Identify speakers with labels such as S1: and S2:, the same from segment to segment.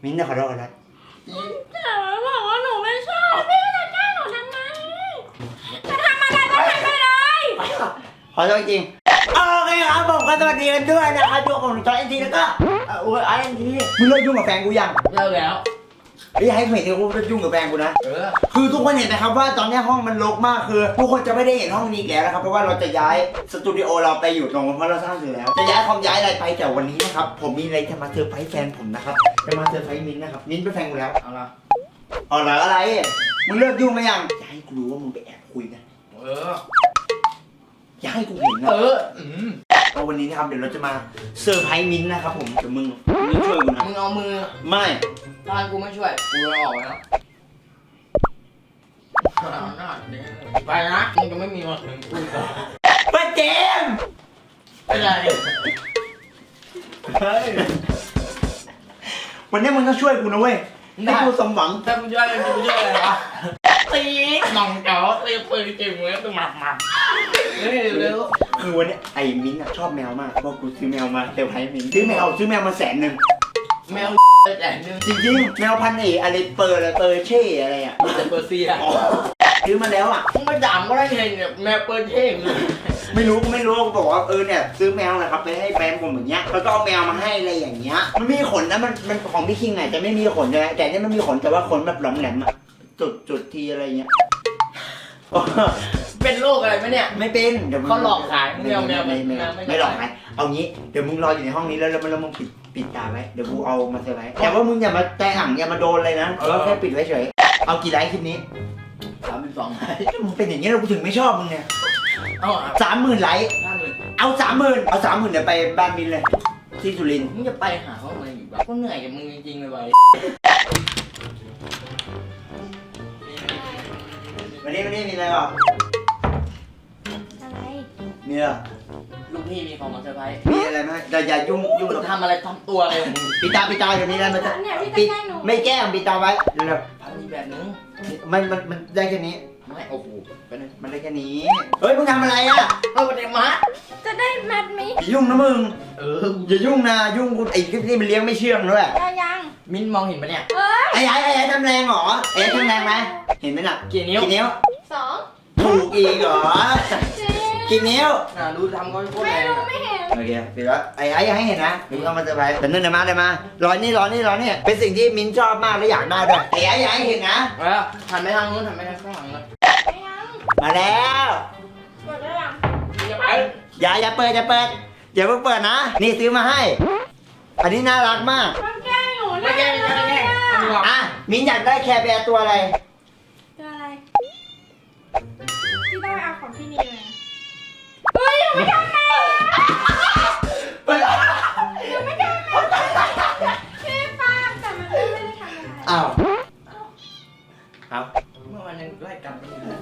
S1: มิ้นท์จะขอโทษกันนะ
S2: แต่บอกว่าหนูไม่ชอบพี่จะแกล้งหนูทำไมจะทำอะไรก็ทำไปเลย
S1: ขอโทษจริงโอเคครับผมก็สวัสดีกันด้วยนะครับตัวของจอยเอ็นทีแล้วก็ไอเอ็นทีมึงเลิกยุ่งกับแฟนกูยัง
S2: เลิกแล้ว
S1: อย่าให้เห็นกูจะยุ่งกับแฟนกูนะคือทุกคนเห็นนะครับว่าตอนนี้ห้องมันรกมากคือทุกคนจะไม่ได้เห็นห้องนี้แล้วนะครับเพราะว่าเราจะย้ายสตูดิโอเราไปอยู่ตรงเพราะเราสร้างเสร็จแล้วจะย้ายคอมย้ายอะไรไปแต่วันนี้นะครับผมมีอะไรจะมาเซอร์ไพรส์แฟนผมนะครับจะมาเซอร์ไพรส์มิ้นท์นะครับมิ้นท์เป็นแฟนกูแล้ว
S2: เอาละ
S1: อะไรมึงเลิกยุ่งไหมยังอย่าให้กูรู้ว่ามึงไปแอบคุยกันอย่าให้กูเห็นนะเพราะวันนี้นะครับเดี๋ยวเราจะมาเซอร์ไพรส์มิ้นท์นะครับผมเดี๋ยวมึงช่วยกูนะ
S2: มึงเอามือ
S1: ไม่
S2: ตอนกูไม่ช่วยกูจะออกแล้วไปนะมึงจะไม่มีวันถึงกูต่อ
S1: ป้าเจม
S2: อะไร
S1: วันนี้มึงต้องช่วยกูนะเว้ยให้กูสมหวัง
S2: ถ้ากูช่วยอะไรวะตีน้องเก๋าตีปืนจิ้มเงี้ยตัวหมับเร็ว
S1: คือวันนี้ไอ้มิ้นท์ชอบแมวมากเพราะกูซื้อแมวมาเซอร์ไพรส์มิ้นท์ซื้อแมวมา100,000
S2: แมวแสนนึง
S1: จริงๆแมวพันธุ์อะไรเปอร์เช่อะไรอ่ะ
S2: แต่เปอร์เซีย
S1: ซื้อมาแล้วอ่ะ
S2: มึงไปด่ามก็ได้ไงเนี่ยแมวเปอร์เช่
S1: ไม่รู้กูบอกว่าเนี่ยซื้อแมวนะครับไปให้แฟนผมอย่างเงี้ยแล้วก็เอาแมวมาให้อะไรอย่างเงี้ยมันมีขนนะมันของพี่คิงไงจะไม่มีขนใช่ไหมแต่เนี่ยมันมีขนแต่ว่าขนแบบหลอมแหลมอ่ะจุดทีอะไรเงี้ย
S2: เป็นโรคอะไรไหมเนี่ย
S1: ไม่เป็นเดี๋ยว
S2: เขาหลอกขาย
S1: ไม่หลอกขายเอางี้เดี๋ยวมึงรออยู่ในห้องนี้แล้วมึงปิดตาไว้เดี๋ยวกูเอามาเซอร์ไพรส์แต่ว่ามึงอย่ามาแตะอ่างอย่ามาโดนเลยนะเราแค่ปิดไว้เฉยเอากี่ไลค์คลิปนี้
S2: 32 ไลค์
S1: มึงเป็นอย่างนี้เราถึงไม่ชอบมึงเนี่ย30,000 ไลค์เอา 30,000เดี๋ยวไปบ้านมินเลยที่สุรินทร์
S2: มึงจะไปหาเขาทำไมอยู่บ้านกูเหนื่อยกับมึงจริงๆเลย
S1: วันนี้มีอะไรหรอ
S2: อะไร
S1: มีเหรอ
S2: ลูกพี่มีของมาเซอร์ไพรส์
S1: มีอะไรไหมอย่ายุ่ง
S2: ทำอะไรทำตัวอะไร
S1: ปิดตาเดี๋ยวนี้ได้ไหมปิดไม่แก้ปิดตาไว้เร็ว
S2: ๆมีแบบนึง
S1: มันได้แค่นี้
S2: ไม่โอ้โห
S1: มันได้แค่นี้เฮ้ยมึงทำอะไรอ่ะ
S2: วันนี้มาจะได้มัดไหม
S1: ยุ่งนะมึงอย่ายุ่งนะยุ่งกูไอ้คลิปนี้มันเลี้ยงไม่เชื่องด้วย
S2: ยังมิ้นมองเห็นปะเนี่ย
S1: ไอ้ทำแรงเหรอไอ้ทำแรงไหมเห็นไหมน่ะ
S2: กี่นิ้ว
S1: 2ถูกอีกเหรอกี่นิ้ว
S2: ดูทำก็โคตรแรง
S1: ไม่เห็นโอเคเดี๋ยวไอ้ให้เห็นนะมึงต้องมาเซอร์ไพรส์แต่นั่นมารอนี่เป็นสิ่งที่มิ้นชอบมากและอยากได้ด้วยไอ้ให้เห็นนะ
S2: หันไปทางนู้นหันไปทางข้างหลังเลย
S1: มาแล้ว
S2: เปิดได้ยัง
S1: อย่าเปิดอย่าเพิ่งเปิดนะนี่ซื้อมาให้อันนี้น่ารักมาก
S2: ไม่แก้
S1: อ่ะมิ้นอยากได้แคร์แบร์ตัวอะไร
S2: ที่ต้องเอาของพี่นีเลยเฮ้ยยังไม่ทำเลยยังไม่ทำเลยพี่ฟ้าแต่มันไม่ได้ทำอะไร
S1: อ้าว
S2: เมื่อวันนึงไล่กลับไปเลย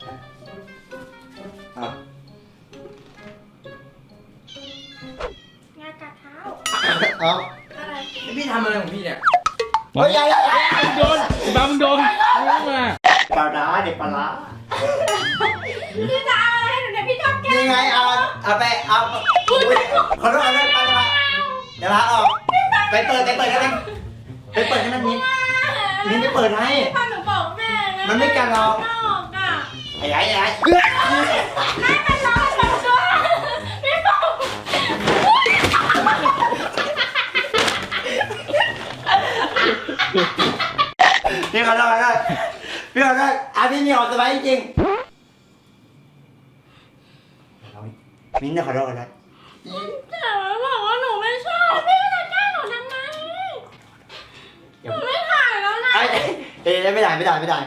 S2: งานกัดเท้าอะไรพี่ทำอะไรของพี่เนี่ย
S1: โอ้ย
S3: โดนบ้ามึงโดนมา
S1: ปลาร้าเด็กปลาร้า
S2: พี่จะเอาอะไรให้หนูเนี่ยพี่ชอบแกล้ง
S1: นี่ไงเอาไปขอโทษไปเดี๋ยวพาออกไปเปิดกันไหมไปเปิดให้มันมิ้นไม่เปิดให้
S2: พ่อหนูบอกแม่นะ
S1: มันไม่กันหรอกไอ้
S2: ไม่เป็นไรแบบตัวพี่บอก
S1: พี่ขอโทษพี่มีออกสบายจริงมิ้นท์ขอโทษนะ
S2: แต่บอกว่าหนูไม่ชอบพี่จะแกล้งหนูทำไมหนูไม่ถ่ายแล้วนะ
S1: ไม่ได้หนูไม่ถ่ายหรอก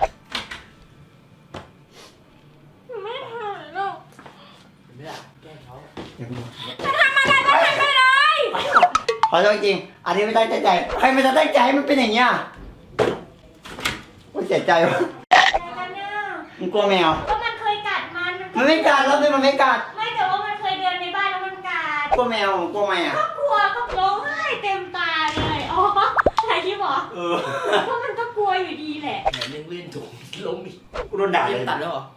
S2: ไม่ได้แกล้งเขา
S1: จะ
S2: ทำอะไรก็ทำไปเลย
S1: ขอโทษจริงอันนี้ไม่ตั้งใจใครไม่ตั้งใจให้มันเป็นอย่างเงี้ยกูเสียใจวะมึงกลัวแมว
S2: ก็มันเคยกัด
S1: มันไม่กัดแล้วมันไม่กัด
S2: ไม่แต่ว่ามันเคยเดินในบ้านแล้วมันกัด
S1: กลัวแมวกลัวไหมอ่ะ
S2: ก็กลัวก็ร้องไห้เต็มตาเลยอ๋ออะไรที่บอกเพราะมันก็กลัวอยู่ดีแหละไหนเล่นถูกลงดิ
S1: กูโดนด่าเลย
S2: ตัดแล้วเหรอ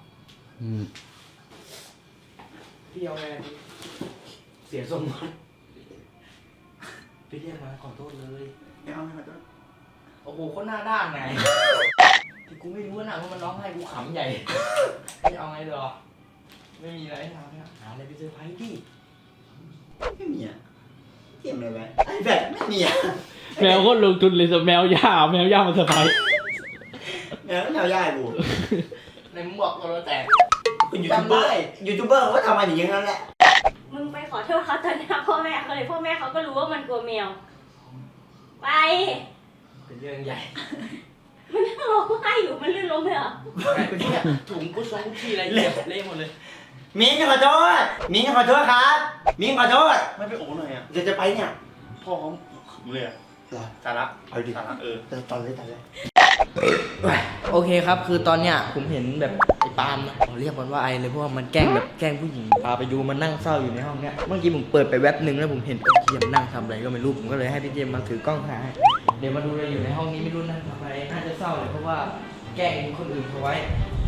S2: พี่เอาไงเสียทรงมั้ยพี่เรียกมาขอโทษเลย
S1: ไม่เอาขอโทษ
S4: โอ้โหโคตรหน้าด้านไงที่กูไม่รู้นะว่ามันร้องไห้กูขำใหญ่ไม่เอาไงเด้อไม่มีอะไรให้ทำเนี่ยหาอะไรไปเซอร์ไพรส์ดิ
S1: ไม่มีอ่ะเกมอะไรไว้ไอ้แบบไม่มีอ่ะ
S3: แมวก็ลงทุนเลยสแมวย่าแมวย่ามาเซอร์ไพรส์
S1: แมวแมวย่ายกู
S4: ในมึงบอกตัวเราแตก
S1: เป็นยูทูบเบอร์ยูทูบเบอร์เขาก็ทำอะไรอย่างนั้นแหละ
S2: มึงไปขอโทษเขาตอนหน้าพ่อแม่เขาเลยพ่อแม่เขาก็รู้ว่ามันกลัวแมวไป
S4: เป็นเรื่องใหญ่
S2: มันนั่งร้องไห้อยู่มันลื่นล้มเลยเหรอ
S4: เนี่ยถุงกุชงกุชชี่อะไรเละเละหมดเลย
S1: มิ้นขอโทษมิ้นขอโทษครับมิ้นขอโทษ
S5: ไม่ไปโอ้หน่อยอ่ะ
S1: จะไปเนี่ย
S5: พ่อเขาขำเลยอ่ะ
S1: เหรอ
S5: สาระ
S1: เอาดิ
S5: สาระ
S1: ตอนเลย
S4: โอเคครับคือตอนเนี้ยผมเห็นแบบไอ้ปาล์มนะผมเรียกมันว่าไอเลยเพราะว่ามันแกล้งแบบแกล้งผู้หญิงพาไปดูมันนั่งเศร้าอยู่ในห้องเนี้ยเมื่อกี้ผมเปิดไปแว็บหนึ่งแล้วผมเห็นพี่เจมนั่งทำอะไรก็ไม่รู้ผมก็เลยให้พี่เจมมาถือกล้องถ่ายให้เดี๋ยวมาดูเลยอยู่ในห้องนี้ไม่รู้นั่งทำอะไรน่าจะเศร้าเลยเพราะว่าแกล้งคนอื่นเขาไว้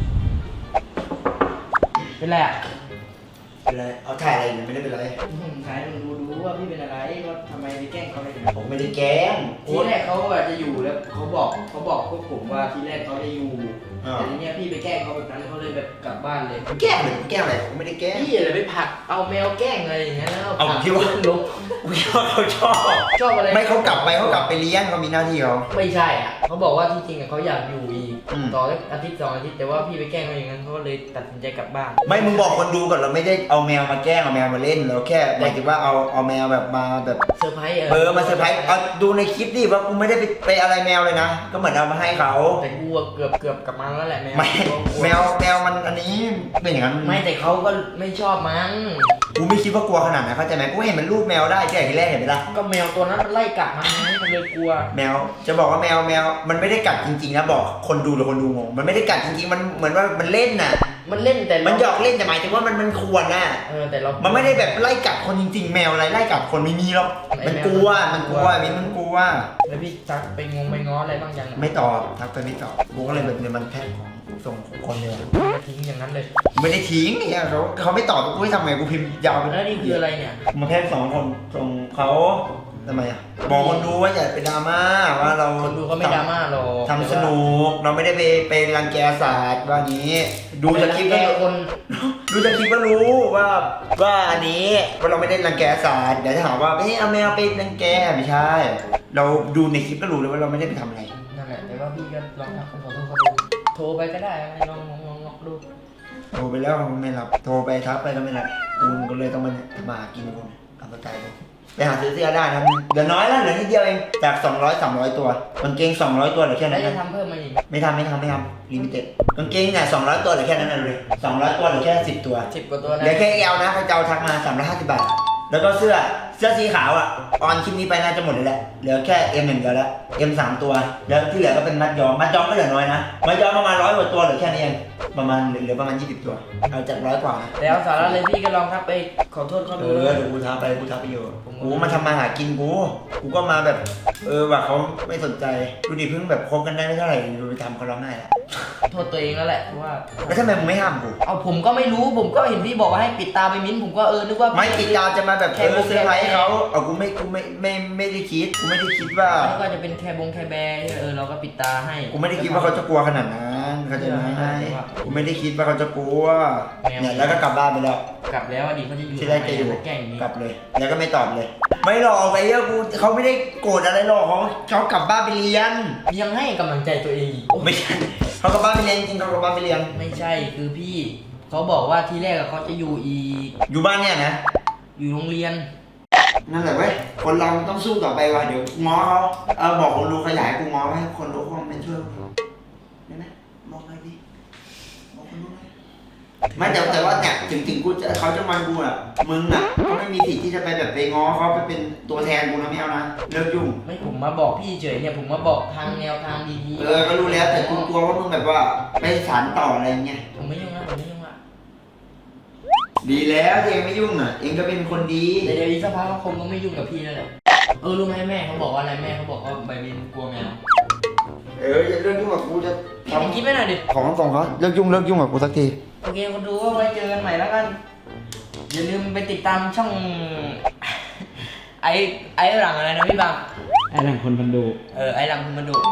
S4: เป็นไรอ่ะ
S1: เป็นไรเอาถ่ายอะไรเนี่ยไม่ได้เป็นไร
S4: ผมถ่ายให้มึงดูว่าพี่เป็นอะไรว่าทำไมไปแกล้งเขาอะไรอย่างเงี้ย
S1: ผมไม่ได้แกล้ง
S4: ทีแรกเขาอะจะอยู่แล้วเขาบอกพวกผมว่าทีแรกเขาจะอยู่แต่ทีเนี้ยพี่ไปแกล้งเขาแบบนั้นเขาเลยแบบกลับบ้านเลย
S1: แกล้งเลยแกล้งอะไรผมไม่ได้แกล้ง
S4: พี่อะไรไปผลักเอาแมวแกล้งอะไรอย่างเงี้ยแล้ว
S1: เอาผมคิดว่า
S4: ลบ
S1: กูคิดว่าเขาชอบ
S4: ชอบอะไร
S1: ไม่เขากลับไปเลี้ยงเขามีหน้าที่เขา
S4: ไม่ใช่อ่ะเขาบอกว่าที่จริงอะเขาอยากอยู่อีก
S1: อืม
S4: ต่อสักอาทิตย์2 อาทิตย์แต่ว่าพี่ไปแกล้งเขาอย่างนั้นเขาก็เลยตัดสินใจกลับบ้าน
S1: ไม่มึงบอกคนดูก่อนเราไม่ได้เอาแมวมาแกล้งเอาแมวมาเล่นเราแค่หมายถึงว่าเอาแมวแบบมาแบบ
S4: เซอร์ไพรส์
S1: มาเซอร์ไพรส์เอาดูในคลิปดิว่ากูไม่ได้ไปอะไรแมวเลยนะก็เหมือนเอามาให้เขา
S4: แต่กูอะเกือบกลับมาแล้วแหละแมว
S1: ไม่แมวมันอันนี้เป็นอย่างนั้น
S4: ไม่แต่เขาก็ไม่ชอบมั้ง
S1: กูไม่คิดว่ากลัวขนาดนั้นเข้าใจไหมกูเห็นมันรูปแมวได้แค่ทีแรกเห็นไหมล่ะ
S4: ก็แมวตัวนั้นมันไล่กัดมันไงมันเลยกลัว
S1: แมวจะบอกว่าแมวมันไม่ได้กัดจริงๆนะบอกคนดูหรือคนดูงงมันไม่ได้กัดจริงๆมันเหมือนว่ามันเล่นน่ะ
S4: มันเล่นแต่
S1: มันหยอกเล่นแต่หมายถึงว่ามันควรน่ะ
S4: แต่เรา
S1: มันไม่ได้แบบไล่กัดคนจริงๆ แมวอะไรไล่กัดคนไม่มีหรอกมันกลัวมิ้นมันกลัว
S4: แล้วพี่จักไปง้ออะไรบ้างยัง
S1: ไม่ตอบทักไปไม่ตอบกูก็เลยแบบเนี่ยมันแพทของส่งของคนเลย
S4: มาทิ้งอย่างนั้นเลย
S1: ไม่ได้ทิ้งเนี่ยเขาไม่ตอบกูให้ทำไงกูพิมพ์ยาวไป
S4: แล้วนี่คืออะไรเนี่ย
S1: มาแค่2 คนส่งเขาทำไมอ่ะบอกคนดูว่าอย่าไปดราม่าว่าเรา
S4: คนดูเขาไม่ดราม่าหรอก
S1: ทำสนุกเราไม่ได้ไปรังแกศาสตร์ว่างี้ ดูจากคลิป
S4: แก
S1: ก็
S4: คน
S1: ดูจากคลิปก็รู้ว่าอันนี้ว่าเราไม่ได้รังแกศาสตร์เดี๋ยวจะหาว่าเอาแมวไปรังแกไม่ใช่ เราดูในคลิปก็รู้เลยว่าเราไม่ได้ไปทำอะไร
S4: นั่นแหละแต่ว่าพี่ก็ลองทักขอโทษเขาดูโทรไปก็ได้ลองดู
S1: โทรไปแล้วเขาไม่รับโทรไปทักไปก็ไม่รับกูก็เลยต้องมากินกูเอาไปไกลไปหาซื้อเสื้อได้นะเหลือน้อยแล้วเหลือนิดเดียวเองจาก200-300 ตัวกางเกง200 ตัวเหลือแค่
S4: แล้
S1: นั้
S4: วน จะ
S1: นะ
S4: ทำเพิ่มมาอีก
S1: ไม่ทำลิมิเต็ดกางเกงเนี่ย200 ตัวเหลือแค่นั้นเลย200 ตัวเหลือแค่10 ตัว
S4: 10 กว่าตัวนะ
S1: เหลือแค่ XL นะใครจะเอาทักมา350 บาทแล้วก็เสื้อสีขาวอ่ะออนคลิปนี้ไปน่าจะหมดเลยแหละเหลือแค่ M 1 เดียวแล้ว M 3 ตัวแล้วที่เหลือก็เป็นมัดย้อมก็เหลือน้อยนะมัดย้อมประมาณ100 กว่าตัวเหลือแค่นี้เองประมาณเหลือประมาณ20 ตัวเอาจาก100 กว่านะ
S4: แล้วสาระเลยพี่ก็ลองทักไปขอโทษเขาดู
S1: เดี๋ยวกูทักไปอยู่กูมาทำมาหากินกูก็มาแบบว่าเขาไม่สนใจดูดิเพิ่งแบบคบกันได้ไม่เท่าไหร่ดูไปทำเขาร้องไห้แล้ว
S4: โทษตัวเองแล้วแหละว่า
S1: แล้วทำไมมึงไม่ห้ามกู
S4: เอาผมก็ไม่รู้ผมก็เห็นพี่บอกว่าให้ปิดตาไปมิ้นผมก็นึกว่า
S1: ไม่ติดดาวจะมาแบบเซอร์ไพรส์เขาเอากูไม่ได้คิดว่า
S4: แล้วก็จะเป็นแคร์แบร์เราก็ปิดตาให้
S1: กูไม่ได้คิดว่าเขาจะกลัวขนาดนั้นเขาจะไม่ให้กูไม่ได้คิดว่าเขาจะกลัวเนี่ยแล้วก็กลับบ้านไปแล้ว
S4: กลับแล้วอดีตเขาจะอยู่
S1: ที่แรกจะอยู่
S4: แกล้งอย่างนี้
S1: กลับเลย แล้วก็ไม่ตอบเลย ไม่หรอกไอ้เหี้ยกูเขาไม่ได้โกรธอะไรหรอกเขากลับบ้านไปเรียน
S4: ยังให้กำลังใจตัวเองอีก
S1: ไม่ใช่เขากลับบ้านไปเรียนจริงเขากลับบ้านไปเรียน
S4: ไม่ใช่คือพี่เขาบอกว่าที่แรกเขาจะอยู่อีก
S1: อยู่บ้านเนี่ยนะ
S4: อยู่โรงเรียน
S1: นั่นแหละเว้ยคนเราต้องสู้ต่อไปว่ะเดี๋ยวง้อเขาบอกคนรู้ขยายกูง้อให้คนรู้คอมเมนต์ช่วยได้ไหมบอกหน่อยดิบอกคนรู้หน่อยไม่แต่ว่าเนี่ยถึงกูจะเขาจะมันกูอ่ะมึงอ่ะก็ไม่มีสิทธิ์ที่จะไปแบบไปง้อเขาไปเป็นตัวแทนกูนะไม่เอานะเลิกยุ่ง
S4: ไม่ผมมาบอกพี่เฉยเนี่ยผมมาบอกทางแนวทางดีๆ
S1: ก็รู้แล้วแต่กูกลัวว่ามึงแบบว่าไปสานต่ออะไรเงี้ย
S4: ผมไม่ยุ่งนะผมไม่ยุ่งละ
S1: ดีแล้วที่เองไม่ยุ่งอ่ะเองก็เป็นคนดี
S4: แต่เดี๋ยวอีกสักพักเขาคงก็ไม่ยุ่งกับพี่แล้วแหละรู้ไหมแม่เขาบอกว่าอะไรแม่เขาบอกว่าใบบินกลัวแมว
S1: อย่าเลิกยุ่งกับกูจะ
S4: พี่คิดไม่หน่อยดิ
S1: ของส่งเขาเลิกยุ่งกับกูสักที
S4: โอเคคนดูก็ไว้เจอกันใหม่แล้วกันอย่าลืมไปติดตามช่อง ไอ้หลังอะไรนะพี่บัง
S3: ไอ้หลังคนพันดู
S4: ไอ้หลังคุณมาดู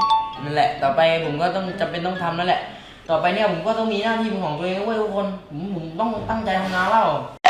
S4: นั่นแหละ ต่อไปผมก็ต้องจำเป็นต้องทำนั่นแหละ ต่อไปเนี่ยผมก็ต้องมีหน้าที่เป็นของตัวเองเว้ยทุกคนผมต้องตั้งใจทำงานแล้ว